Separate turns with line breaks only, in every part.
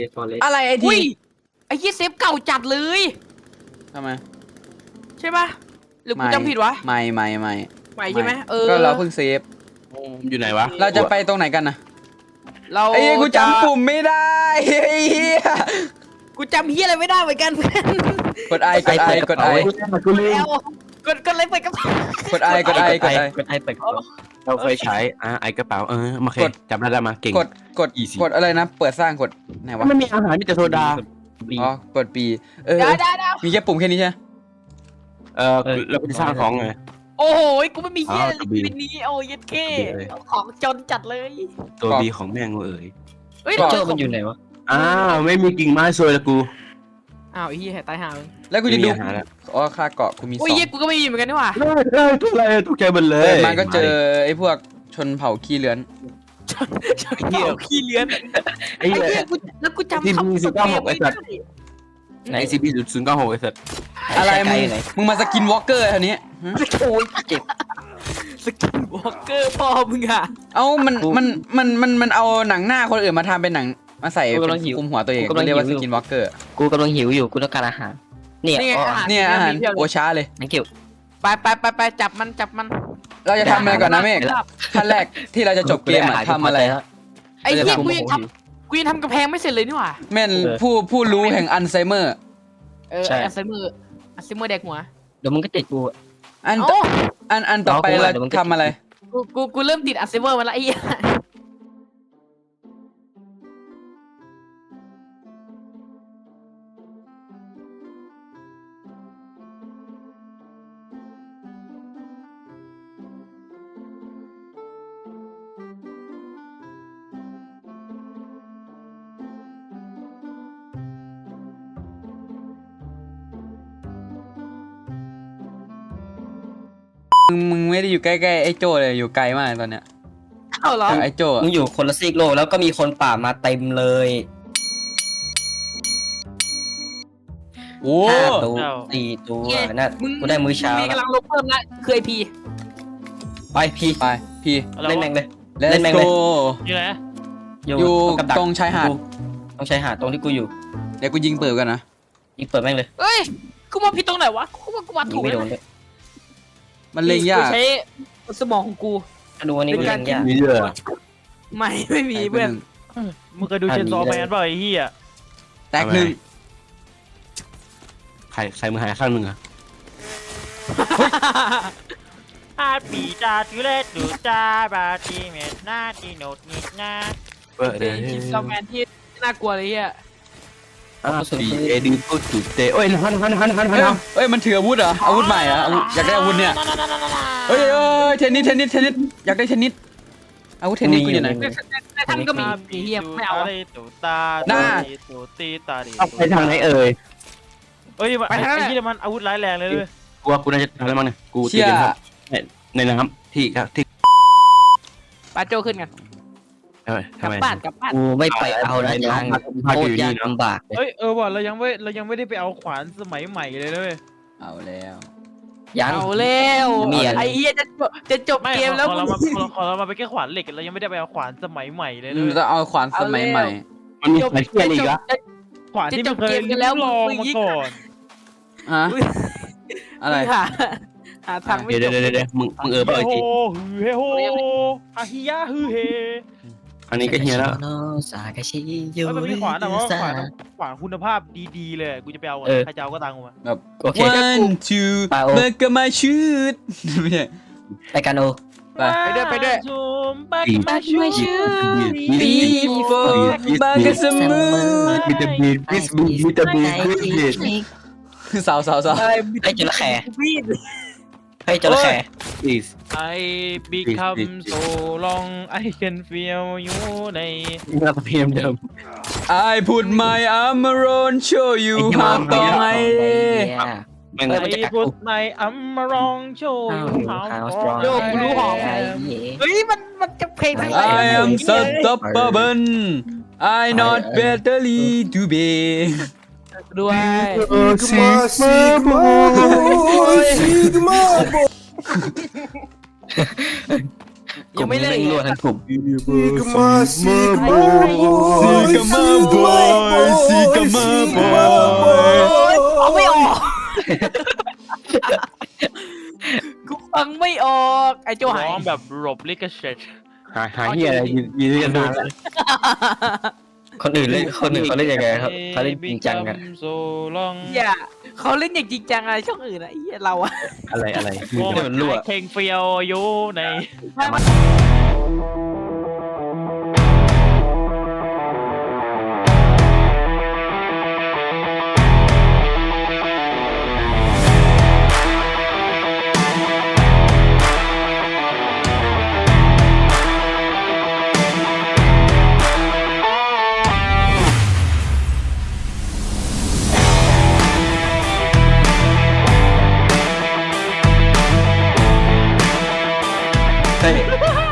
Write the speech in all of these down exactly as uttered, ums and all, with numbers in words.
ฟอเรส
อะไรไอที
อุ้ยไอ้ยี่เซฟเก่าจัดเลย
ทำไม
ใช่ปะหรือกูจำผิดวะ
ไม่ไม่ไม่
ใหม่ใช่ไหมเออ
ก็เราเพิ่งเซฟ
อยู่ไหนวะ
เราจะไปตรงไหนกันนะ
เรา
ไอ้เหี้ยกูจำปุ่มไม่ได้ไอ้เหี้ย
กูจำเฮียอะไรไม่ได้เหมือนกันเพื่อน
กดไอกดไอกดไอ
กูลืม
แล้วกดกดเลยเปิดกระเป๋าก
ดไอกดไอกดไอ
กดไอเปิดกระเป๋า
เราเคยใช้อ่ะไอกระเป๋าเออมาเค
ก
ย
ด
จำได้แล้วมาเก่ง
กดกด
Easy
กดอะไรนะเปิดสร้างกดไหนวะ
ไม่มีอาหารมีแต่โซดา
บี
อ๋อกดปีเออ
ได้ได้ได้
มีแค่ปุ่มแค่นี้ใช่ไหม
เออเราไปสร้างของไง
โอ้โหกูไม่มีเฮีย
อ้าว
เลย
กระบี่
เป็นนี้โอ้ยเท่
กระบี่เลย
ของจนจัดเลย
ตัวบีของแม่งเอ๋ย
เฮ้ย
โจ้มันอยู่ไหนวะ
อ้าวไม่มีกิ่งไม้ซวยละกู
อ้าวไอ้เฮียตายห่าเลย
แล้วกูจะ
ไม่มี
ดู
อาหารแล้ว
อ๋อค่าเกาะกูมีส
โอ้
อย ง
เฮียกูก็ไม่มีเหมือนกันนี่หว่า
เฮ้ยเฮ้ยตัวอะไรตัวแกมันเล
เปิ
ย
ดมาก็เจอไอ้พวกชนเผ่าขี้เลื้อน
เฮียขี้เลื้อน
ไอ้
ไอ้
เหี้
เฮี
ย
ยกูแล้วกูจำ
ที่มี
คำ
สิบเก้าหกไอ้สัตว์
ไหน
ไอซีบีศูนย์เก้าหกไอ้สัตว์
อะไรมึง
ไหน
มึงมาสกินวอล์กเกอร์อันนี้ฮะ
โอ้ยเจ็บ
สกินวอล์กเกอร์พ่อมึงอะ
เอ้ามันมันมันมันมันเอาหนังหน้าคนอื่นมาทำเป็นหนังมาใส่เป็นคลุมหัวตัวเองเรียกว่าสกินวอล์กเกอร์
กูกำลังหิวอยู่กูต้องการอาหารเนี่ย
นี่ไง
อ๋อ
อาหาร
เนี่ยอาหาร
พีบ
โอ
เลย
ช้าเลย
นังเกี่ยว
ไปไปไปไปจับมันจับมัน
เราจะทำอะไรก่อนนะเมฆขั้นแรกที่เราจะจบเกมอะทำอะไร
ไอ้เฮีย
เราจะทำ
กูยังทำกูยังทำกระแพงไม่เสร็จเลยนี่หว่า
แม่นผู้ผู้รู้แห่งอัลไซเมอร์
เอออัลไซเมอร์อัลไซเมอร์แดกหัว
เดี๋ยวมึงก็ติดกู
อัน
เอ้า
อันอันต่อไป
รอกูหน่
เรา
อยเดี๋ยวมันก็
ทำอะไร
กูกูกูเริ่มติดอัลไซเมอร์มาแล้วไอ้เหี้ย
มึงมึงไม่ได้อยู่ใกล้ๆไอ้โจเลยอยู่ไกลมากตอนเนี้ย
เอ้าเหรอ
ไอ้โจอะ
มึงอยู่คนละซีกโลกแล้วก็มีคนป่ามาเต็มเลย
โอ้
ห้าตัวสี่ตัวนั่น
มึง
กูได้มื้อเช้า
มี
แล้ว
กำลังลบเพิ่มละคือไอพี
ไปพี่
ไปพี่
เล่นแม่งเลย
let's
เล่นแม่ง
go
เลย
อยู่ไหน
อยู่
กับดัก
ตรงชายหาด
กูตรงชายหาดตรงที่กูอยู่
เดี๋ยวกูยิงปืนกันนะ
ยิงเปิดแม่งเลย
เอ้ยกูมาผิดตรงไหนวะกูว่ากูมา
ยิ
ถู
ง
ก
ไม่โด
แล้ว
นด้วย
มันเล็งยาก
ใช้สมองของกู
ก็ดูอันนี้
เป็
กู
นกา
เล่
ร
นยาก
มีเยอะ
ไม่ไม่มีเพื่อน
มึงเคยดูเชนซอแมนเปล่าไอ้เหี้ย
แตกหนึ่ง
ใครใครมือหายข้างหนึ่งอะ
อาปีจาทุเรศดูจาบาทีเมตหน้าทีโนดนิดหน้า
เปิดเลย
คิมซอมแมนที่น่ากลัวเลยเฮีย
อ่าปีเอดีพูดจุดเตะโอ้ยหันหันหันหันหั
เอ้ย
น
เอ้ยมันถืออาวุธเหรออาวุธใหม่เหรออาวุธอยากได้อาวุธเนี่ยเอ้ยเอ้ยเทนนิสเทนนิสเทนนิสอยากได้เทนนิสอาวุธเทนนิสกูอยู่ไหน
ในท่านก็มีไอ้เฮียไม่เอาอะ
ตูตา
หน้า
ตูตีตาดี
เอาไปทางไหนเอ่ย
เอ้ยไอ้ไอ้ที่มันอาวุธร้ายแรงเลยเลย
กูว่ากูน่าจะทำอะไรมั้งเนี่ยกูตี
เชี่ย
กันครับในน้ำที่ครับที่
ปาโจขึ้นกัน
เอ้ย
กลั
ทำ
บ
ไม
บ้านกลับบ้าน
กูไม่ไปเอานะยัง
พา
โค
อ
ต
ยู่
รยา
นี่
ก
เนาะ
ลำบากเลย
เอ้ยเออว่ะเรายังไม่เรายังไม่ได้ไปเอาขวานสมัยใหม่เลยเลย
เอาแล้ว
ยัง
เอาแล้ว
มีอะไร
ไอ้เฮียจะจบจะจบ
ไม่
เกมแล้ว
ของเรา
มึ
มาง ของเรามาเป็นแค่ขวานเหล็กเรายังไม่ได้ไปเอาขวานสมัยใหม่เลยเล
อืม
ย
ต้องเอาขวานสมัยใหม่
มันมีอะไรที่อะไรอีกอะ
ขวานที่ไม่เคยลองมาก่อน
ฮะอะไร
หาหาทางไม่
เดี๋ยว
จ
เดี๋ยว
บ
เดี๋ยวมึงมึงเออเปล่า
เฮ
ไอ้
โฮ
ที
ฮือเฮโฮอาฮิยะฮือเฮ
อันนี้ก็เฮียแล้ว
สากาชิยู
เอ้ยมันมีขวานแต่ว่าขวานขวานคุณภาพดีๆเลยกูจะไปเอาใครจะเอาก็ตังกูมา
แบบ
โอเค
one two
ไปโอ
เบอร์กมาชูดไม่ใช่
ไปกันโอ
ไป
ไปด้วยไปด้วย
ซูมบักมาชู
บีโฟบากาสมู
มีแต่บีบิสบีมีแต่บีบิส
สาวสาวสาว
ให้จระแข
วีด
ให้จระแข
บิส
ไอ become so long I can feel you ใน
น่าจะเพียมเดิม
I put my arm around show you
ไอ้
how
ที่
strong
มัน
I
แม่ง
เออ
ไอพุทในอัมมารองโชว์
How strong
โยกกูรู้หอม
ไอ้เหี้ย
เฮ้ยมันมันจะเพลงทั้ง
I am unstoppable I not battery to be
ด้วย
ซิกมาซิกมา
ยังไม่เลิก
แงรั่วทั้งกลุ่ม
Sigma Sigma
ซีกามาบอยซีกามาบอย
เอาไม่ออกกูฟังไม่ออกไอ้โจหาย
ร้องแบบหลบลิขสิทธิ์
หาหาเหี้ยอะไรยืนยืนกันนานแล้ว
คนอื่นเล่นคนอื่นเขาเล่นยังไงครับเขาเล่นจริงจังกัน
โซลอง
อย่าเขาเล่นอย่างจริงจังอะไรช่องอื่นอะไอ้เหี้ยเราอะ
อะไรอะไร
โอ้ยเพลงเฟียวอยู่ใน
เฮ้ย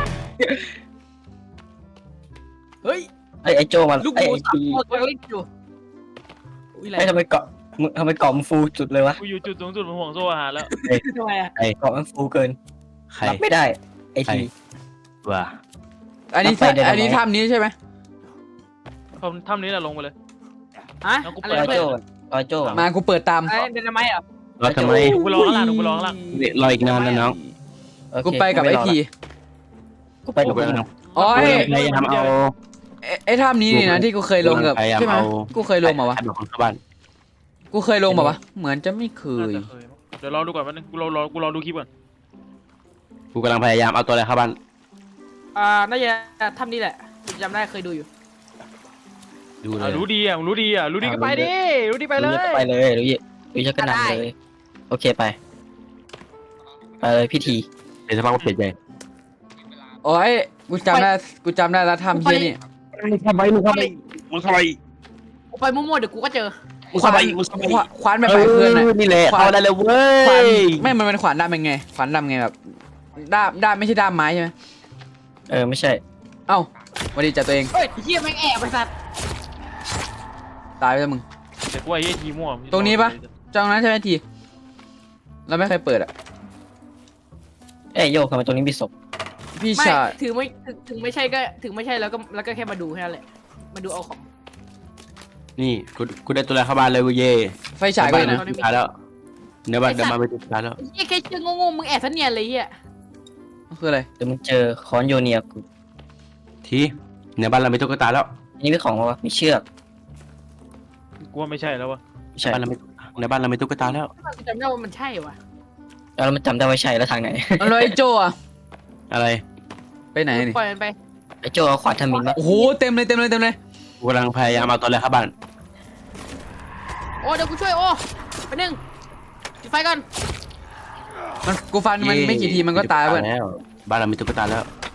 เฮ้ย
ไอ้ไอ้โจมัน
ลูก
ไอ้
หมู
ไอ้
สาม
ที
ตัวกำลังเล่นอยู่อุ้ยอะไร
ไอ้ทำไมเกาะมึงทำไมเกาะมันฟูจุดเลยวะ
กูอยู่จุดสูงสุดของห่วงโซ่อาหารแล้ว
ทำไมอะ
เกาะมันฟูเกิน
ใคร
รับไม่ได้ไอ้ที
ว่า
อันนี้
ไปเดี๋ยว
อันนี้ถ้ำนี้ใช่ไหม
ทำถ้ำนี้แหละลงไปเลย
ฮะ
แล้วกู
อะ
เปิ
ไร
ด
ไอ้
เพื่
โจ
อน
ไอ้โจ
มากูเปิดตาม
ไอ้เดนไมต์เหรอ
รอทำไม
กูรอข้างล่างกูรอข้างล่าง
รออีกนานนะน้อง
โอเค
กูไปกับไอที
กูไปกับพวกมึง
อ๋อไอ้
พยายามเอา
ไอ้ไอ้ถ้ำนี้นี่นะที่กูเคยลงกับ
พยายาม
ใช่ไหม
เอา
กูเคยลงมาวะ
ให้แบบคนเข้าบ้าน
กูเคยลงมาวะเหมือนจะไม่เคย
น่าจะเคยมั้งเดี๋ยวรอดูก่อนแป๊บนึงกูรอรอกูรอดูคลิปก่อน
กูกำลังพยายามเอาตัวอะไรเข้าบ้าน
อ่าน่าจะทำนี่แหละจำได้เคยดูอยู่
ดูเล
อ่ะ
ย
รู้ดีอ่ะรู้ดีอ่ะรู้ดีก็ไปดิรู้ดีไปเลย
ไปเลยรู้ยี่รู้ยี่ก็นำเลย โอเคไป ไปเลยพี่ที
เดี๋ยวสักพักก็เปลี่ยนใจ
โอ้ยกูจำได้กูจำได้แล้วถ้ำเชี่ยนี่
ทำไมมึงทำไมมึงทำไม
กูไปมั่วๆเดี๋ยวกูก็เจอ
มึงทำไมมึงทำไม
ขวานขวานแบบไปเพื่อนน่ะ
นี่แหละ
ขวาน
เอาได้เลยเว้
ขวาน
ย
ไม่มันเป็นขวานด้ามเป็นไงขวานด้ามไงแบบด้ามด้ามไม่ใช่ด้ามไม้ใช่ไหม
เออไม่ใช่
เอ้าวันดีจัดตัวเอง
เฮ้ยเฮียแม่งแอบไปสัตว์
ตายไปแล้วมึง
แต่กูไอ้เหี้ยทีมั่ว
ตรงนี้ปะ จ้องนั้นใช่ไหมทีเราไม่เคยเปิดอ่ะ
เอ้ยโยกทำไมตรงนี้มีศพ
พี่
ไม่
ชาย
ถึงไม่ถึงถึงไม่ใช่ก็ถึงไม่ใช่แล้วก็แล้วก็แค่มาดูแค่นั้นแหละมาดูเอาของ
นี่กูกูได้ตัวอะไรเข้าบ้านเลยเว้ยเย่
ไฟฉายก็อยู่นะ
สุดท้ายแล้วเดี๋ยวบ้านเดี๋ยวมาไปสุดท้ายแล้ว
เฮียแค่เชื่องงๆมึงแอบซะเนียนเลยเฮีย
คืออะไร
เดี๋ยวมึงเจอคอนโยเนียกู
ทีในบ้านเราไม่ตุ๊กตาแล้ว
อันนี้เป็นของวะมีเชือก
กูว่าไม่ใช่แล้ววะ
ไม่ใช่
บ้านเราไม่ในบ้านเราไม่ตุ๊กตาแล้ว
กูจำได้ว่ามันใช่วะ
แล้วมันจำได้ว่าใช่แล้วทางไหน
แล้วไอ้โจอะ
อะไร
ไปไหนนี่
ปล่อยมันไป
ไอ้โจเอาขวานทำมินมา
โอ้โหเต็มเลยเต็มเลยเต็มเลย
กูกำลังพยายามเอาตัวอะไรเข้าบ้าน
โอ้เดี๋ยวกูช่วยโอ้ไปหนึ่งจุดไฟก่อน
มันกูฟันมันไม่กี่ทีมันก็ตายเว้ย
แล้วบ้านเรามีตุ๊กตาแล้ว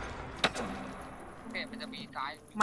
ไม่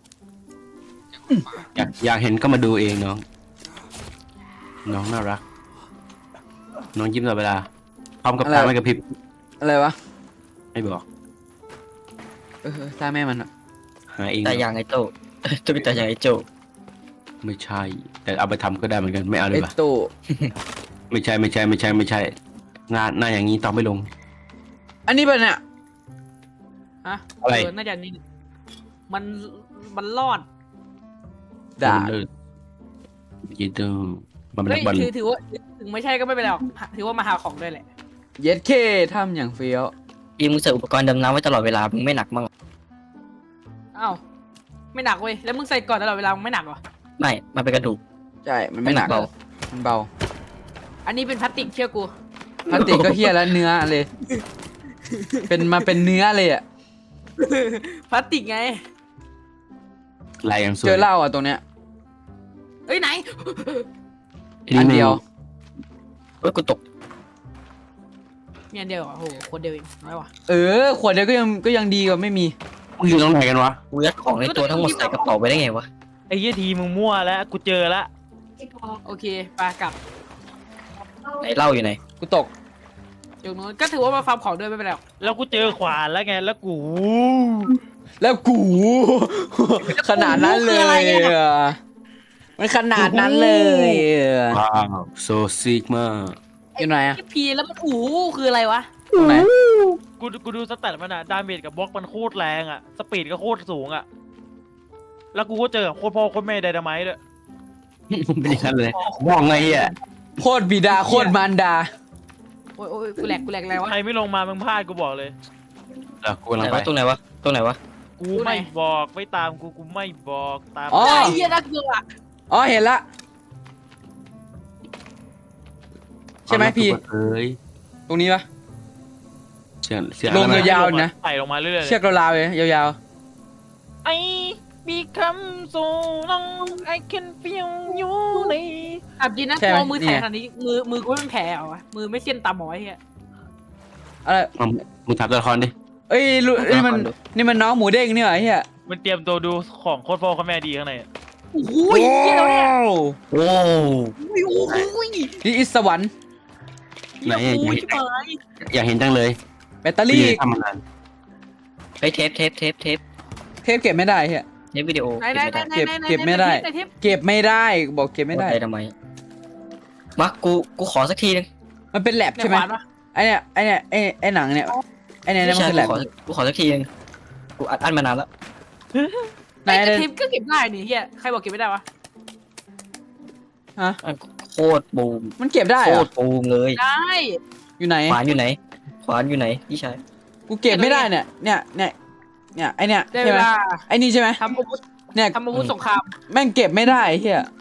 อยากอยากเห็นก็มาดูเองน้อง น้องน่ารัก น้องยิ้มตลอดเวลาพร้อมกับตาไม่กระพริบ
อะไรวะ
ไม่บอก
เออตาแม่มันอะ
หาเอง
แต่อย่างไอ้โจ ตุ๊กตาอย่างไอ้โจ
ไม่ใช่ แต่เอาไปทำก็ได้เหมือนกันไม่เอาเล
ไอ้
ยปะ
โต
ไม่ใช่ไม่ใช่ไม่ใช่ไม่ใช่ งานหน้าอย่างนี้ต้องไม่ลง
อันนี้เป็นเนี่ย
ฮะ
อะไร
เน่าจะนี่มันมันรอด
ด่า
เลิศยีเตอร์มันเป็น
เฮ้
นั
ย
กบอล
ถือถือว่าถึงไม่ใช่ก็ไม่เป็นไรหรอกถือว่ามาหาของด้วยแหละ
เย็ดเคทำอย่างเฟี้ยว
อีมึงใส่อุปกรณ์ดำน้ำไว้ตลอดเวลามึงไม่หนักมั้ง
อ้าวไม่หนักเว้ยแล้วมึงใส่ก่อนตลอดเวลามึงไม่หนักเหรอ
ไม่มันเป็นกระดูก
ใช่มันไม่หนัก
เบา
มันเบา
อันนี้เป็นพลาสติกเชื่อกู
พลาสติกก็เฮี้ยแล้วเนื้อเลย เป็นมาเป็นเนื้อเลยอ่ะ
พลาสติกไง
ลายอย่างสวย
เจอเหล้าอ่ะตรงเนี้ย
เอ้ยไหน
อันเดียว
เอ้ยกูตก
มีอันเดียวเหรอโอ้โหคนเดียวเองน้อยว่ะ
เออขวดเดียวก็ยังก็ยังดีกว่าไม่มี
มึงอยู่ตรงไหนกันวะ
กูยัดของในตัวทั้งหมดใส่กระเป๋าไปได้ไงวะ
ไอ้เหี้ยทีมึงมั่วแล้วกูเจอแล้ว
โอเคไปกลับ
ไหนเหล้าอยู่ไหน
กูตก
จุดนู้นก็ถือว่ามาฟาร์มของด้วยไม่เป็นไรหรอก
แล้วกูเจอขวานแล้วไงแล้วกู
แล้วกู ขนาดนั้นเลยอะมันขนาดนั้นเลยอะ
ว้าวโซซิกมา
อยู่ไหนอะ
ไอ้พีแล้วมันอู๋คืออะไรวะ
ตรงไหน
กูกูดูสแตทมันอะดาเมจกับบล็อกมันโคตรแรงอะสปีดก็โคตรสูงอะแล้วกูก็เจอโคตรพ่อโคตรแม่ไดนาไมต์ด้วย
เป็นอย่างนั้นเลยมองไงอ่ะ
โคตรบิดาโคตรมารดา
โอ้ยโอ้ยกูแหลกกูแหลกอะไรวะ
ใครไม่ลงมามึงพลาดกูบอกเลย
เออกูกำ
ไห
ลั
น
งไป
วะตรงไหนวะตรงไหนวะ
กูไม่บอกไม่ตามกูกูไม่บอกตาม
อ๋อ
ไอ้เหี้ยน่ากลัวอะ
อ๋อเห็นละใช่ไหมพี่
เอ้ย
ตรงนี้ปะ
เสียงเสียง
ลง
อะไร
ยาว ๆนะ
ไต่ลงมาเรื่อยๆ
เชือกราวๆเลยยาว
ไอ้ become so long I can feel you ใน
อับจริงนะตัวมือแข็งขนาดนี้มือมือกูไม่เป็นแผลเหรอวะมือไม่เส้นตาหมอไอ้เหี้ย
ๆอะไร
มึงมึงถามตัวละครดิ
เอ้ยรู้นี่มันนี่มันน้องหมูเด้งนี่เหรอไอ้เหี้ย
มันเตรียมตัวดูของโคตรพ่อโคตรแม่ดีข้างในอะ
โอ้โหเหี้ยแล้วเนี่ย
โอ้
โอ้ยโอ้โห
นี่อิสวรรค์
ไหนอะ
โอ้
อยาก
ย
เห็น
ชิบหาย
อยากเห็นจังเลย
แบตเตอรี่
ทำมานาน
ไอยเทปเทปเทปเทป
เทปเก็บไม่ได้เหี้ย
เทปวิดีโอ
ไหนไหนไหนไหน
เก็บ
ไหน
เก็บไม่ได้
หนเทป
เก็บไม่ได้บอกเก็บไม่ได้
ทำไมมากูกูขอสักทีนึง
มันเป็นแลบ
ไหน
ใช่ไหม
ขวานวะ
ไอเนี่ยไอเนี่ยไอไอหนังเนี่ยไอเนี่ย
ไม่
มัน
ใช่
คือแลบ
กูขอกูขอสักทีนึงกูอัดอั้นมานานแล้ว
ไหน
ไอ้
เนี่ย
เทปก็เก็บได้นี่เฮียใครบอกเก็บไม่ได้วะ
ฮะ
อันโคตรบูม
มันเก็บได้
โค
เหรอ
ตรบูมเลย
ได้
อยู่ไหน
ขวานอยู่ไหนขวานอยู่ไหนพี่ชาย
กูเก็บไม่ได้เนี่ยเนี่ยเนี่ยเนี่ยไอเนี่ย
ได้
ใช่
เว
ไหม
ลา
ไอนี่ใช่ไหม
ทำอาวุธ
เนี่ย
ทำอาวุธสงคราม
แม่งเก็บไม่ได้เฮีย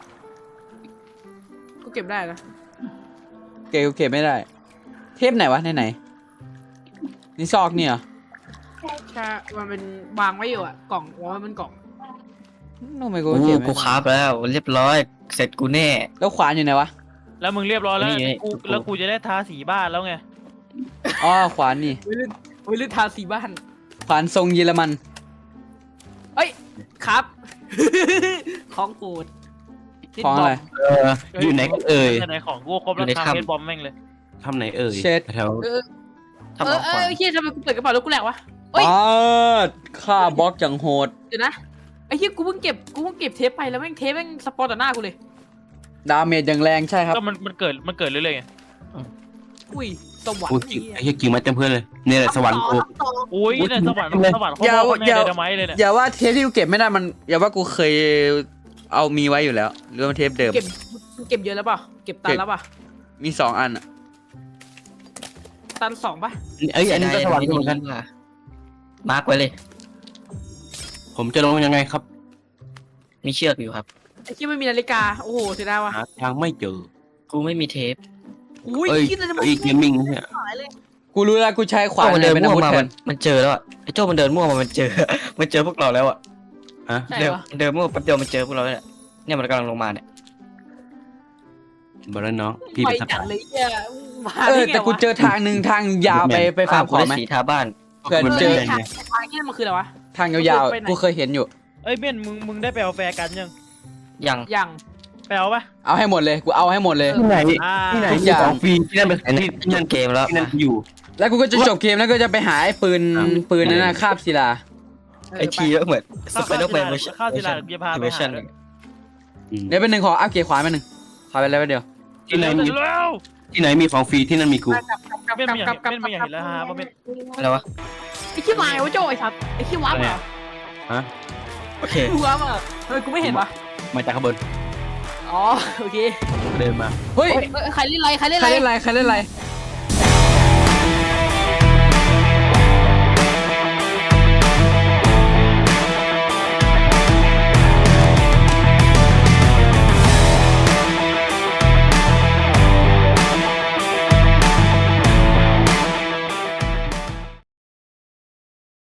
กูเก็บได้นะ
เก็บกูเก็บไม่ได้ เทปไหนวะไหนไหนนี่ซอกเนี่ยเหรอ
ใช่มันเป็นวางไว้อยู่อะกล่องว่ามันเป็นกล่อง
ทำไมกู
กู
เก็บไม่
กู
ได้
คราฟแล้วเรียบร้อยเสร็จกูแน่
แล้วขวานอยู่ไหนวะ
แล้วมึงเรียบร้อยแล้ว
นี่ไง
กูแล้วกูจะได้ทาสีบ้านแล้วไง
อ๋อขวานนี่
วิลวิลทาสีบ้าน
ขวานทรงเยอรมัน
เอ้ยครับ ของโปรด
ของอะไร
เอออยู่ไหนกันเอ่ย
ไหนของกูครบแล้วทำเฮดบอมแม่งเลย
ทำไหนเอ่ย
เช็ด
แถว
เออ
ทำ
เอ
เอา
อเอ
ขวาน
อเฮียทำไมกูเปิดกระเป๋าแล้วกูแหลกวะ เอ้ย
อ๋อค่าบล็อกอย่างโหด
เดี๋ยวนะไอ้เฮียกูเพิ่งเก็บกูเพิ่งเก็บเทปไปแล้วแม่งเทปแม่งสปอนต่อหน้ากูเลย
ดาเมจอย่างแรงใช่ครับ
ก็มันมันเกิดมันเกิดเรื่อยๆไง
อุ้ยสวรร
กู
ค์
กิ่งไอ้เหี้ยกิ่งมาเต็มเพื่อนเลยเนี่ยแหละสวรรค์กู
ต่อ
อุ้ยเนี่ยสวรรค์สวรรค์โคตร
อย่า
พ่อโคตรแม่
อย่า
ไดนาไมต์เลยเนี่ย
อย่าว่าเทปที่กูเก็บไม่ได้มันอย่าว่ากูเคยเอามีไว้อยู่แล้วหรือว่ามันเทปเดิม
เก็บเก็บเยอะแล้วเปล่าเก็บตันแล้วเปล่า
มีสองอันอะ
ตันสองป่ะ
เอ้ยอันนี้ก็สวรรค์กูเหมือนกัน
มาร์กไว้เลย
ผมจะลงยังไงครับ
มีเชือกอยู่ครับ
ไอ้ที่ไม่มีนาฬิกาโอ้โหเสียดายว่ะ
หาทางไม่เจอ
กูไม่มีเทป
อุ้ย
เอ้ย
คิดเลยนะ
เอ้ยเกมมิ่งเนี่ย
หายเลย
กูรู้แล้วกูใช้ขวาน
โจ้มันเดิน
เป็นอา
มั่ว
วุธ
มา
แท
มัน นมันเจอแล้วอะไอ้โจ้มันเดินมั่วมามันเจอ มันเจอพวกเราแล้วอะ
ฮะ
ใช่
เดิน
ปะ
เดินมั่วแป๊บเดียวมันเจอพวกเราแล้วเนี่ยเนี่ยมันกำลังลงมาเนี่ย
บอกแล้วน้องพี่
ไป
เป็นส
จัด
ปาย
เลยเฮียมา
เออ
ได้ไง
แต่กู
วะ
เจอทางหนึ่งทางยาวไปไปฟาร์มขอ
ได้
ไหม
สีทาบ้าน
เพื่อน
เออ
เจอ
ไอ้ทางทางนี่มันคืออะไรวะ
ทางยาว
ไปไหน
ๆกูเคยเห็นอยู่
เอ้ยเบนมึงมึงได้ไปเอาแฟร์กันยัง
ยัง
ยัง
ไปเอาปะ
เอาให้หมดเลยกูเอาให้หมดเลย
ที่ไหน
อ่า
ที่ไหน
ทุก
มี
อย่าง
ของฟรีที่นั่นเป็น
อันนี้
ที่ที่นั่น
เกมแล้ว
ที่นั่นอยู่
แล้วกูก็จะจบเกมแล้วก็จะไปหาไอ้ปืน
อ่ะ
ปืนนั่นนะคาบศิลา
เออ
ไอทีก็เหมือนส
ข้าว
ไปเดอร์แมน
ข้าวศิลาเดี๋ยวพาไปหาด้วย
อืม
เดี๋ยวเป็นหนึ่งขออัพเกียร์ขวาเป็นหนึ่งขอไปแล้วเดียว
ที่ไหนมี
เร็ว
ที่ไหนมีของฟรีที่นั่นมีกู
กลับกลับกลับ
เบนไม่อยาก
กลับกลับ
เบนไม่อยากเห็นแล้วฮะว่าเบน
อะไรวะ
ไอ้ขี้วายวะโจ้ไอ้สัตว์ไอ้ขี้วับเหรอ
ฮะ
โอเค
ขี้วับอ่ะทำไมกูไม่เห็นวะ
มาจากข้างบน
อ๋อโอเค
เดินมา
เฮ้ย
เอ้ยใครเล่นอะไรใครเล่น
ใค
อะ
ร
ไร
เล่นอะไรใครเล่นอะไร
ไ